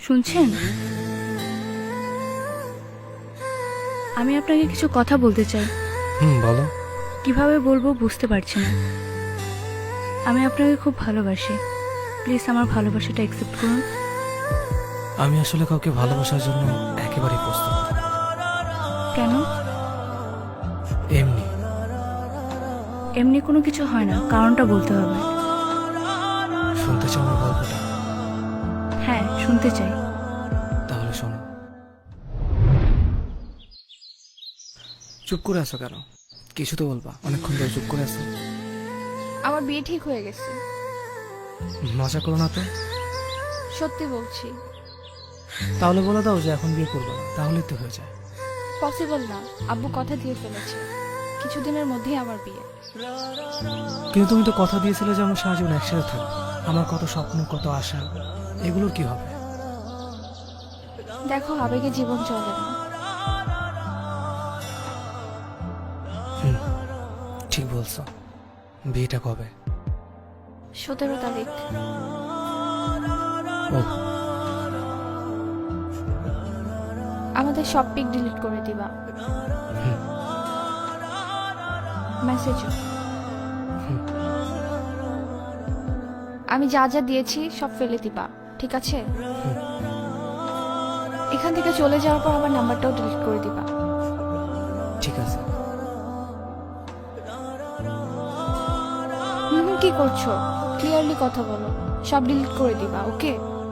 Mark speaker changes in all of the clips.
Speaker 1: শুনছেন? আমি আপনাকে কিছু কথা বলতে চাই।
Speaker 2: বলো।
Speaker 1: কিভাবে বলবো বুঝতে পারছি না। আমি আপনাকে খুব ভালোবাসি। প্লিজ আমার ভালোবাসাটা অ্যাকসেপ্ট করুন।
Speaker 2: আমি আসলে কাউকে ভালোবাসার জন্য একেবারেই প্রস্তুত না।
Speaker 1: কেন?
Speaker 2: এমনি।
Speaker 1: এমনি কোনো কিছু হয় না, কারণটা বলতে হবে।
Speaker 2: শুনতে চাও আমার গল্পটা?
Speaker 1: হ্যাঁ, শুনতে চাই।
Speaker 2: তাহলে শোনো। চুপ করে আছো কেন? কিছু তো বলবা। অনেকক্ষণ ধরে চুপ করে আছো।
Speaker 3: আমার বিয়ে ঠিক হয়ে গেছে।
Speaker 2: মজা করো না তো।
Speaker 3: সত্যি বলছি।
Speaker 2: তাহলে বলে দাও যে এখন বিয়ে করবে না, তাহলেই তো হয়ে যায়।
Speaker 3: পসিবল না, আব্বু কথা দিয়ে ফেলেছে, কিছুদিনের মধ্যেই আমার বিয়ে।
Speaker 2: কিন্তু তুমি তো কথা দিয়েছিলে যে আমরা সারা জীবন একসাথে থাকবো। আমার কত স্বপ্ন, কত আশা, এগুলোর কি হবে?
Speaker 3: দেখো, আবেগে জীবন চলে না।
Speaker 2: ঠিক বলছো। বিয়েটা কবে?
Speaker 3: 17 তারিখ।
Speaker 2: ও,
Speaker 3: আমাদের সব পিক ডিলিট করে দিবা। মেসেজও। আমি যা যা দিয়েছি সব ফেলে দিবা, ঠিক আছে? এখান থেকে চলে যাওয়ার পর আমার নাম্বারটাও ডিলিট করে দিবা।
Speaker 2: ঠিক আছে।
Speaker 3: কি করছো? ক্লিয়ারলি কথা বলো। সব ডিলিট করে দিবা, ওকে?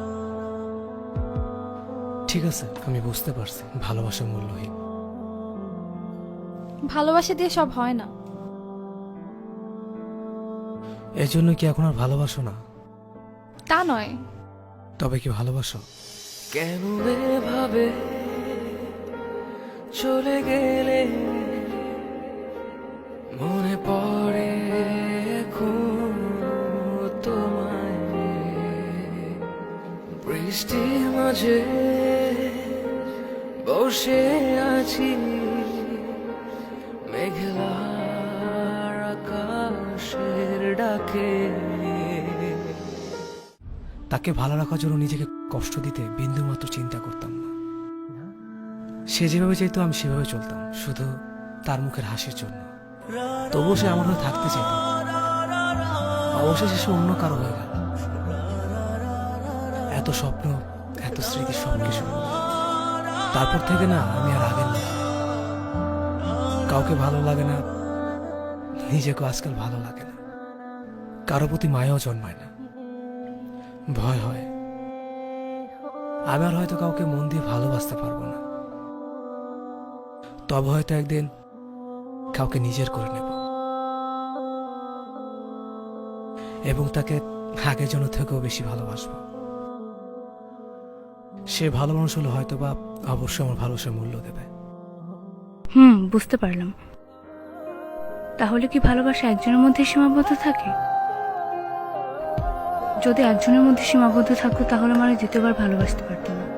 Speaker 2: ঠিক আছে, আমি বুঝতে পারছি ভালোবাসা মূল্যহীন।
Speaker 3: ভালোবাসা দিয়ে সব হয় না।
Speaker 2: এর জন্য কি এখন আর ভালোবাসো না?
Speaker 3: তা নয়।
Speaker 2: তবে কি ভালোবাসো?
Speaker 4: কেন এভাবে চলে গেলে মনে পড়ে এখন তোমায়। বৃষ্টির মাঝে বসে আছি মেঘলার আকাশের ডাকে।
Speaker 2: তাকে ভালো রাখার জন্য নিজেকে কষ্ট দিতে বিন্দু মাত্র চিন্তা করতাম না। সে যেভাবে চাইতো আমি সেভাবে চলতাম, শুধু তার মুখের হাসির জন্য। তবুও সে আমার হয়ে থাকতে চাইত। অবশেষে সে অন্য কারো হয়ে গেল। এত স্বপ্ন, এত স্মৃতি, সবকিছু। তারপর থেকে না আমি আর আগের না। কাউকে ভালো লাগে না, নিজেকে আজকাল ভালো লাগে না। কারো প্রতি মায়াও জন্মায় না, ভয় হয়। আমি আর হয়তো কাউকে মন দিয়ে ভালোবাসতে পারবো না। তবে হয়তো একদিন কাউকে নিজের করে নেব এবং তাকে আগের জন্য থেকেও বেশি ভালোবাসবো। সে ভালো মানুষ হলে হয়তো বা অবশ্যই আমার ভালোবাসার মূল্য দেবে।
Speaker 1: বুঝতে পারলাম। তাহলে কি ভালোবাসা একজনের মধ্যে সীমাবদ্ধ থাকে? যদি একজনের মধ্যে সীমাবদ্ধ থাকতো তাহলে মানে দ্বিতীয়বার ভালোবাসতে পারতাম না।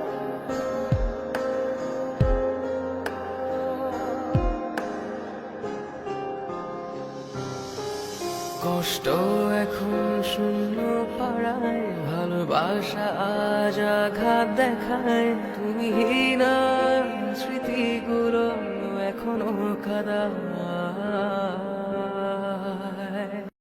Speaker 4: কষ্ট এখন শূন্য পাড়ায়, ভালোবাসা আজ আঘাত দেখায়। তুমি না স্মৃতিগুলো এখনো কাদা।